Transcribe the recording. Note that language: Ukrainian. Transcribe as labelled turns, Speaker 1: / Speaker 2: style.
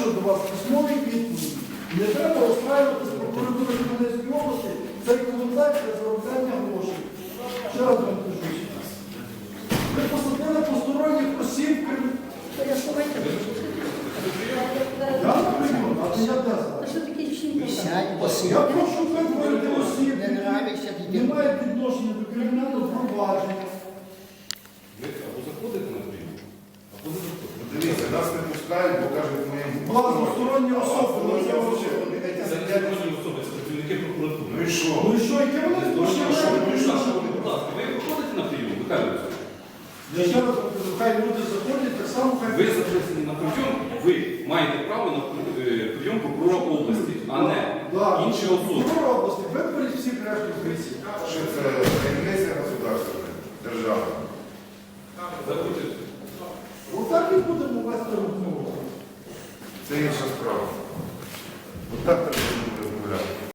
Speaker 1: до вас письмові відповіді. Не треба розправити з прокуратури Хмельницької області цей коментар для заробляння грошей. Ще раз вам кажу. Ви посадили посторонніх осіб. Я на прийом, а ти я де зараз? Я прошу виговорити осіб, які не мають відношення до кримінального провадження.
Speaker 2: Ви або заходите на прийом, або не заходите.
Speaker 3: Дивіться, нас не пускають, бо кажуть, моїм
Speaker 1: Посторонні особи.
Speaker 2: Це не законні особи, це працівники прокуратури.
Speaker 3: Ну і що?
Speaker 1: Ну і що, яке вони
Speaker 2: Будь ласка, ви виходите на прийом, Михайло Олексійович?
Speaker 1: Я ще раз кажу, хай люди заходять, так само хай...
Speaker 2: Ви записані на прийом, ви маєте право на прийом прокурора області, а не інші особи.
Speaker 1: Прокурор області, виберіть всіх решту поліції.
Speaker 3: Що це таємниця государственна, держава?
Speaker 2: Заходьте.
Speaker 1: Отак і будемо вести розмову.
Speaker 3: Це інша справа. Отак треба.